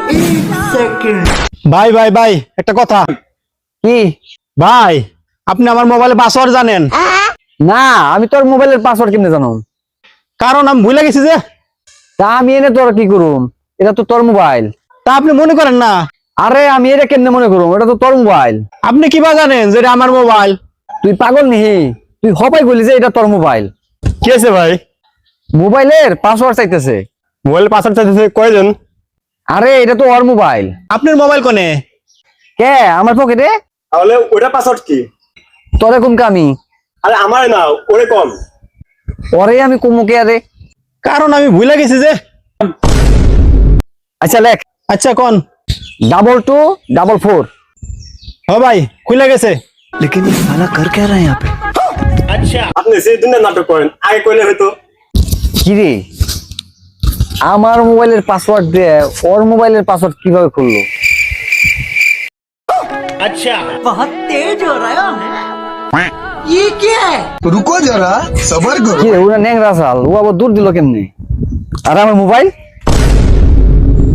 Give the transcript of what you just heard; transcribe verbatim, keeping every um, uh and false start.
ভাই ভাই ভাই একটা কথা। কি ভাই আপনি আমার মোবাইলে পাসওয়ার্ড জানেন? না, আমি তোর মোবাইলের পাসওয়ার্ড কেমনে জানো? কারণ আমি ভুলে গেছি যে। তা আমি এনে তোর কি করুম? এটা তো তোর মোবাইল। তা আপনি মনে করেন না? আরে আমি এটা কেমনে মনে করুম? এটা তো তোর মোবাইল। আপনি কিবা জানেন যে এটা আমার মোবাইল? তুই পাগল নিহি? তুই হবাই বলি যে এটা তোর মোবাইল। কি আছে ভাই? মোবাইলের পাসওয়ার্ড চাইতেছে। মোবাইল পাসওয়ার্ড চাইতেছে কয়জন? আরে এটা তো ওর মোবাইল। আপনার মোবাইল কোনে? কে আমার পকেটে? তাহলে ওটা পাসওয়ার্ড কি? তোরে কোন কামি? আরে আমার না, ওরে কম। ওরে আমি কুমুকে আরে। কারণ আমি ভুলে গেছি যে। আচ্ছা লেখ। আচ্ছা কোন? Double two double four. ও ভাই খুলে গেছে। लेकिन ये साला कर क्या रहा है यहाँ पे? আচ্ছা আপনি সেই দিনের নাটক করেন, আগে কইলে হয়তো। কি রে, আমার মোবাইলের পাসওয়ার্ড দিয়ে ওর মোবাইলের পাসওয়ার্ড কিভাবে খুললো? बहुत तेज हो रहा है। ये क्या है? रुको जरा सबर करो। কি রে, ওরা ন্যাংরা চাল, ও আবার দূর দিল কেমনে? আর আমার মোবাইল